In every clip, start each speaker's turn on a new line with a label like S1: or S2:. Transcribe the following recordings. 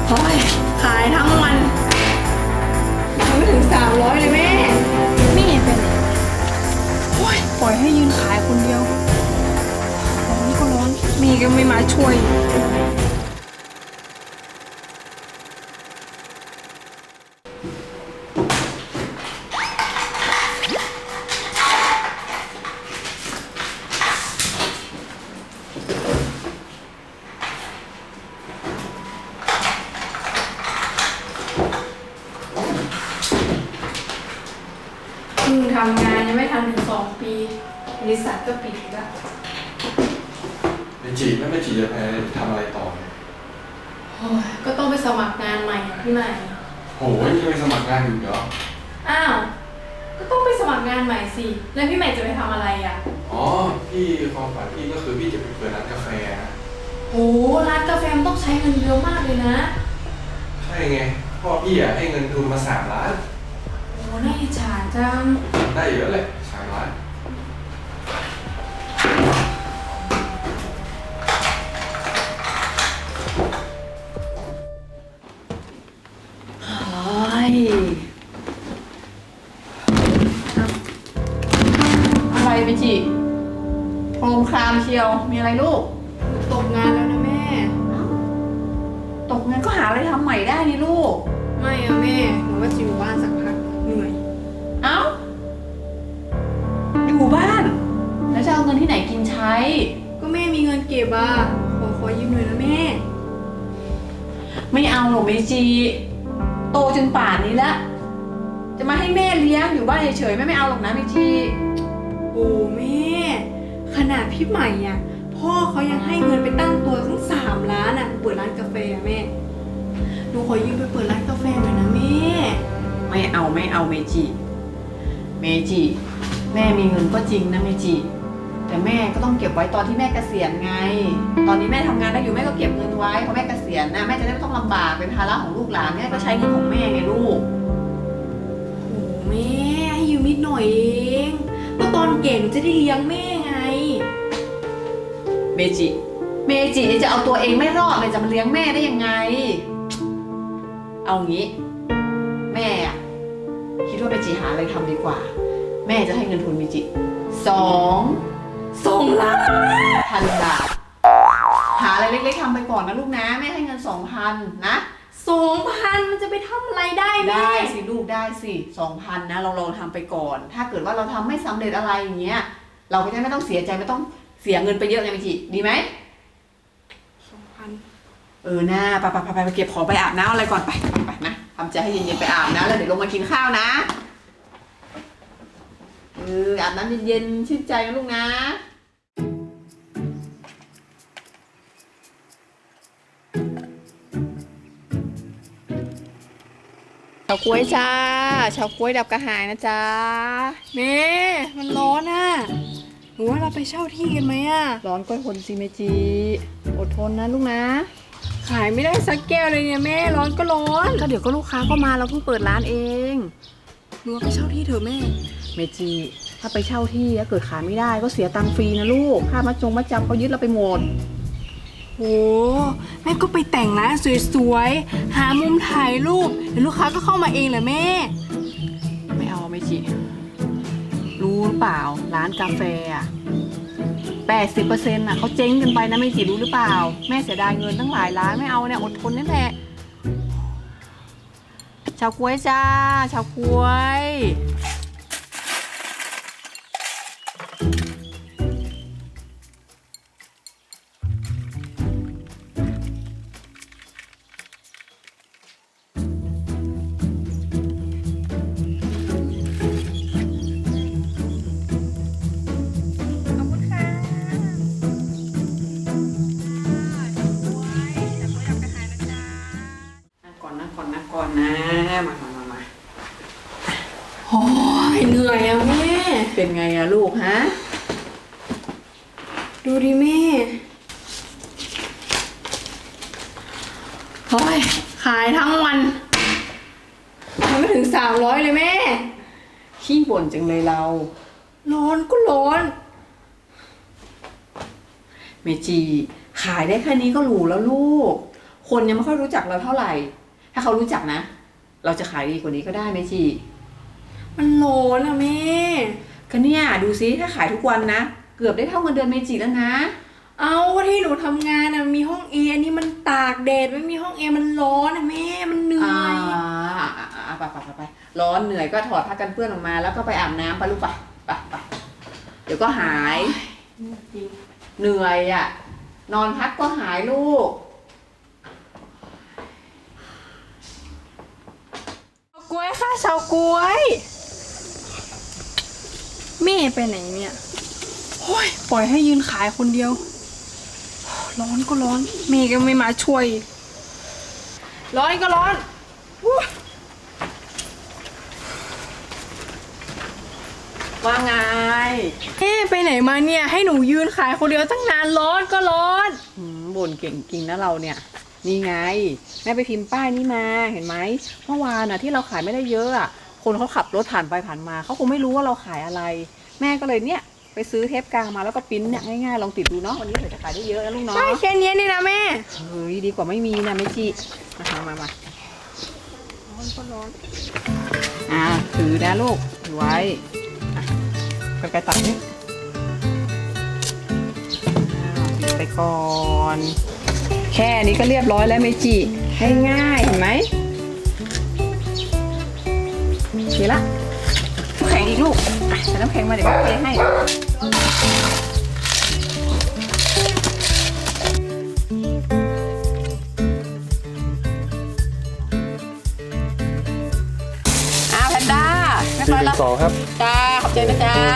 S1: โอ้ยขายทั้งวันยังไม่ถึง300เลยแม่นี่เป็นโอ้ยปล่อยให้ยืนขายคนเดียวร้อนก็ร้อนมีก็ไม่มาช่วยทำงานยังไม่ทันถึง2 ปีบริษัทก็ปิดอีกแล้ว
S2: ไม่จีจะไปทำอะไรต่อเนี่ย
S1: โอ้ยก็ต้องไปสมัครงานใหม่พี่ใหม่
S2: โหยังไปสมัครงานอยู่เหรอ
S1: อ้าวก็ต้องไปสมัครงานใหม่สิแล้วพี่ใหม่จะไปทำอะไรอ่ะ
S2: อ๋อพี่ความฝันพี่ก็คือพี่จะไปเปิดร้านกาแฟนะ
S1: โหร้านกาแฟมันต้องใช้เงินเยอะมากเลยนะ
S2: ใช่ไงพ่อพี่ให้เงินทุนมา3 ล้าน
S1: โอ้น่าอิจฉาจัง
S2: ได้เยอะเลย3 ล้าน
S3: อะไรไปจิโครมครามเชียวมีอะไรลูก
S1: ตกงานแล้วนะแม่
S3: ตกงานก็หาอะไรทำใหม่ได้นี่ลูก
S1: ไม่อะแม่หนูว่าจะอยู่บ้านสักพักเหนื่อย
S3: เอ้าอยู่บ้านแล้วจะเอาเงินที่ไหนกินใช้
S1: ก็แม่มีเงินเก็บอ่ะขอยืมหน่อยนะแม่
S3: ไม่เอาหรอกเมจิโตจนป่านนี้แล้วจะมาให้แม่เลี้ยงอยู่บ้านเฉยๆไม่เอาหรอกนะเมจิ
S1: โอ้แม่ขนาดพี่ใหม่อ่ะพ่อเขายังให้เงินไปตั้งตัวทั้ง3 ล้านอ่ะเปิดร้านกาแฟแม่หนูขอยืมไปเปิดร้านกาแฟหน่อยนะแม่
S3: ไม่เอาเมจิแม่มีเงินก็จริงนะเมจิแต่แม่ก็ต้องเก็บไว้ตอนที่แม่เกษียณไงตอนนี้แม่ทำงานได้อยู่แม่ก็เก็บเงินไว้พอแม่เกษียณนะแม่จะได้ไม่ต้องลำบากเป็นภาระของลูกหลานแม่ก็ใช้เงินของแม่ไงลูก
S1: โอ้แม่ให้ยืมนิดหน่อยเองก็ตอนเก่หนูจะได้เลี้ยงแม่ไง
S3: เมจิจะเอาตัวเองไม่รอดเลยจะมาเลี้ยงแม่ได้ยังไงเอางี้แม่คิดว่าเมจิหาอะไรทำดีกว่าแม่จะให้เงินทุนเมจิ2 ล้าน1,000 บาทหาอะไรเล็กๆทำไปก่อนนะลูกนะแม่ให้เงิน 2,000 นะ
S1: 2,000มันจะไปทำอะไรได้แม่
S3: ได้สิลูกได้สิ 2,000 นะเราลองทำไปก่อนถ้าเกิดว่าเราทำไม่สำเร็จอะไรอย่างเงี้ยเราก็จะไม่ต้องเสียใจไม่ต้องเสียเงินไปเยอะไงเมจิดีไหม
S1: 2,000
S3: นะไปเก็บของไปอาบน้ำอะไรก่อนไปนะทำใจให้เย็นๆไปอาบน้ำแล้วเดี๋ยวลงมากินข้าวนะอาบน้ำเย็นๆชื่นใจนะลูกนะเฉาก๊วยจ้าเฉาก๊วยดับกระหายนะจ๊ะ
S1: แม่มันร้อนอ่ะหนูว่าเราไปเช่าที่กันไหมอ่ะ
S3: ร้อนก็ทนสิเมจิอดทนนะลูกนะ
S1: ขายไม่ได้สักแก้วเลยเนี่ยแม่ร้อนก็ร้อน
S3: ก็เดี๋ยวก็ลูกค้าก็มาเราเพิ่งเปิดร้านเอง
S1: หนูไปเช่าที่เถอะแม่
S3: เมจิถ้าไปเช่าที่แล้วเกิดขายไม่ได้ก็เสียตังค์ฟรีนะลูกค่ามัดจำเขายึดเราไปหมด
S1: โอ้แม่ก็ไปแต่งร้านสวยๆหามุมถ่ายรูปเดี๋ยวลูกค้าก็เข้ามาเองแหละแม่
S3: ไม่เอาเมจิรู้หรือเปล่าร้านกาแฟ80%น่ะเขาเจ๊งกันไปนะเมจิรู้หรือเปล่าแม่เสียดายเงินตั้งหลายล้านไม่เอาเนี่ยอดทนนั่นแหละเฉาก๊วยจ้าเฉาก๊วยก่อนนะมา
S1: โอ้ยเหนื่อยอะแม่
S3: เป็นไงอะลูกฮะ
S1: ดูดิแม่โอ้ยขายทั้งวันยังไม่ถึง300เลยแม่
S3: ขี้บ่นจังเลยเรา
S1: ร้อนก็ร้อน
S3: เมจิขายได้แค่นี้ก็หรูแล้วลูกคนยังไม่ค่อยรู้จักเราเท่าไหร่ ถ้าเขารู้จักนะ เราจะขายดีกว่านี้ก็ได้เมจิ
S1: มันร้อนอะแม่
S3: ก็เนี่ยดูซิถ้าขายทุกวันนะ เกือบได้เท่าเงินเดือนเมจิแล้วนะ
S1: เอาก็ที่หนูทำงานอะมีห้องแอร์อันนี้มันตากแดดไม่มีห้องแอร์มันร้อนอะแม่มันเหนื่อย
S3: ไปร้อนเหนื่อยก็ถอดผ้ากันเปื้อนออกมา แล้วก็ไปอาบน้ำไปลูกไปเดี๋ยวก็หาย
S1: จริง
S3: เหนื่อยอ่ะ นอนพักก็หายลูก
S1: กล้วยค่ะชาวกล้วยแม่ไปไหนเนี่ยโอ้ยปล่อยให้ยืนขายคนเดียว ร้อนก็ร้อนแม่ก็ไม่มาช่วย ร้อนก็ร้อนอู้
S3: ว่าไง
S1: แม่ไปไหนมาเนี่ยให้หนูยืนขายคนเดียวตั้งนานร้อนก็ร้อน
S3: บ่นเก่งจริงนะเราเนี่ย นี่ไง แม่ไปพิมพ์ป้ายนี่มาเห็นไหมเมื่อวานน่ะที่เราขายไม่ได้เยอะอ่ะคนเขาขับรถผ่านไปผ่านมาเขาคงไม่รู้ว่าเราขายอะไร แม่ก็เลยเนี่ยไปซื้อเทปกาวมาแล้วก็ปริ้นเนี่ยง่ายๆลองติดดูเนาะวันนี้เผื่อจะขายได้เยอะนะลูกเนาะ
S1: ใช่แค่นี้นี่นะแม่
S3: เฮ้ยดีกว่าไม่มีนะไม่จีมา
S1: ร้อนก็ร้อน
S3: ถือนะลูกถือไว้กันไกรตัดนี่ปิดไปก่อน แค่นี้ก็เรียบร้อยแล้วเมจิง่ายๆเห็นไหมเสร็จละน้ำแข็งอีกลูกใส่น้ำแข็งมาเดี๋ยวแม่เทให้แพนด้าเรียบร้อยแล้ว
S2: 4-2 ครับ
S3: จ้าขอบใจนะจ๊ะ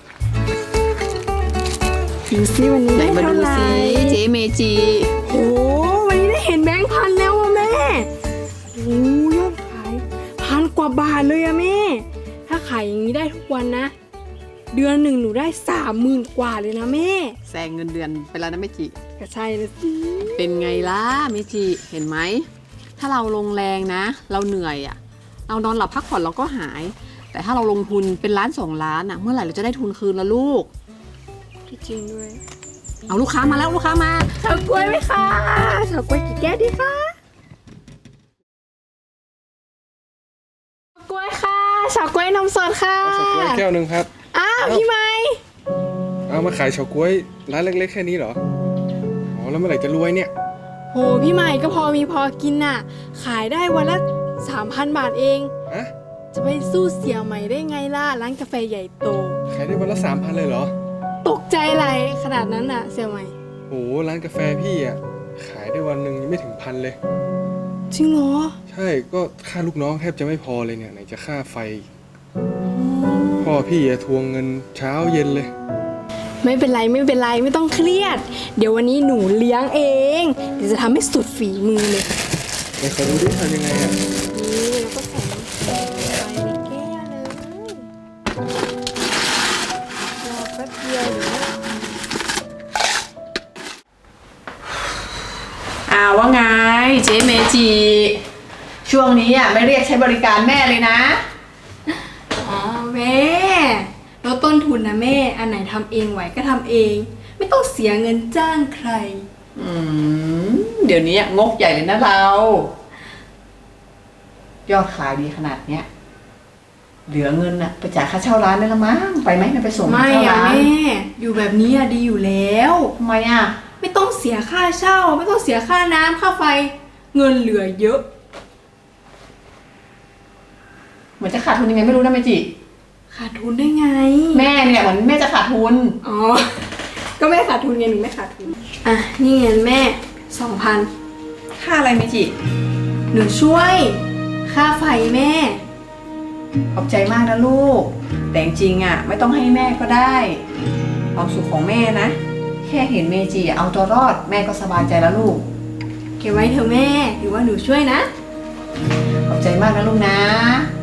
S1: ดูซิวันนี้
S3: ไหน
S1: ได้
S3: มา
S1: เท่า
S3: ดู
S1: ไหร่
S3: สิเจ๊เมจิ
S1: โอ้วันนี้ได้เห็นแบงค์พันแล้วอะแม่โอ้ยอดขาย1,000 กว่าบาทเลยอะแม่ ถ้าขายอย่างนี้ได้ทุกวันนะ เดือนหนึ่งหนูได้30,000 กว่าเลยนะแม่
S3: แซงเงินเดือนไปแล้วนะเมจิ
S1: ก็ใช่เลยสิ
S3: เป็นไงล่ะเมจิเห็นไหมถ้าเราลงแรงนะ เราเหนื่อยอ่ะเรานอนหลับพักผ่อนเราก็หาย แต่ถ้าเราลงทุนเป็นล้าน2 ล้านอ่ะเมื่อไหร่เราจะได้ทุนคืนละลูก
S1: ที่จริงด้วย
S3: เอาลูกค้ามาแล้วลูกค้ามา
S1: เฉาก๊วยไหมคะเฉาก๊วยกี่แก้วดีคะเฉาก๊วยค่ะเฉาก๊วยนมสดค่ะ
S2: เอาเฉาก๊วยแก้วหนึ่งครับ
S1: อ้าวพี่ไม้
S2: เอามาขายเฉาก๊วยร้านเล็กๆแค่นี้เหรอ อ๋อแล้วเมื่อไหร่จะรวยเนี่ย
S1: โหพี่ใหม่ก็พอมีพอกินน่ะ ขายได้วันละ 3,000 บาทเอง
S2: ฮะ
S1: จะไปสู้เสี่ยใหม่ได้ไงล่ะ ร้านกาแฟใหญ่โต
S2: ขายได้วันละ 3,000เลยเหรอ
S1: ตกใจอะไรขนาดนั้นน่ะเสี่ยใหม่
S2: โหร้านกาแฟพี่อ่ะขายได้วันหนึ่งยังไม่ถึง1,000เลย
S1: จริงเหรอ
S2: ใช่ก็ค่าลูกน้องแทบจะไม่พอเลยเนี่ยไหนจะค่าไฟ พ่อพี่อะทวงเงินเช้าเย็นเลย
S1: ไม่เป็นไรไม่เป็นไรไม่ต้องเครียด เดี๋ยววันนี้หนูเลี้ยงเอง เดี๋ยวจะทำให้สุดฝีมือเลย
S2: ไหนขอดูดิทำยังไงอ่ะ
S1: นี่แล้วก็ใส่น้ำแข็งไปในแก้วเลยรอแป๊บเดียวเดี๋ยว
S3: ว่าไงเจ๊เมจิช่วงนี้อ่ะไม่เรียกใช้บริการแม่เลยนะ
S1: อ๋อแม่ลดต้นทุนนะแม่ อันไหนทำเองไหวก็ทำเอง ไม่ต้องเสียเงินจ้างใคร
S3: เดี๋ยวนี้งกใหญ่เลยนะเรา ยอดขายดีขนาดเนี้ยเหลือเงินอะไปจ่ายค่าเช่าร้านได้ละมั้งไปไหมไปส่ง
S1: ไม่
S3: เช่า
S1: อะ
S3: ร้าน
S1: แม่ อยู่แบบนี้อะดีอยู่แล้ว
S3: ทำไมอะ
S1: ไม่ต้องเสียค่าเช่า ไม่ต้องเสียค่าน้ำค่าไฟ เงินเหลือเยอะ
S3: เหมือนจะขาดทุนยังไงไม่รู้นะเมจิ
S1: ขาดทุนได้ไง
S3: แม่เนี่ยเหมือนแม่จะขาดทุน
S1: อ๋อ ก็แม่ขาดทุนไงหนูไม่ขาดทุน อ่ะ นี่เงินแม่ 2,000
S3: ค่าอะไรเมจิ
S1: หนูช่วย ค่าไฟแม่
S3: ขอบใจมากนะลูก แต่จริงๆอะไม่ต้องให้แม่ก็ได้ความสุขของแม่นะแค่เห็นเมจิเอาตัวรอดแม่ก็สบายใจแล้วลูก
S1: เก็บไว้เถอะแม่ หรือว่าหนูช่วยนะ
S3: ขอบใจมากนะลูกนะ
S1: ค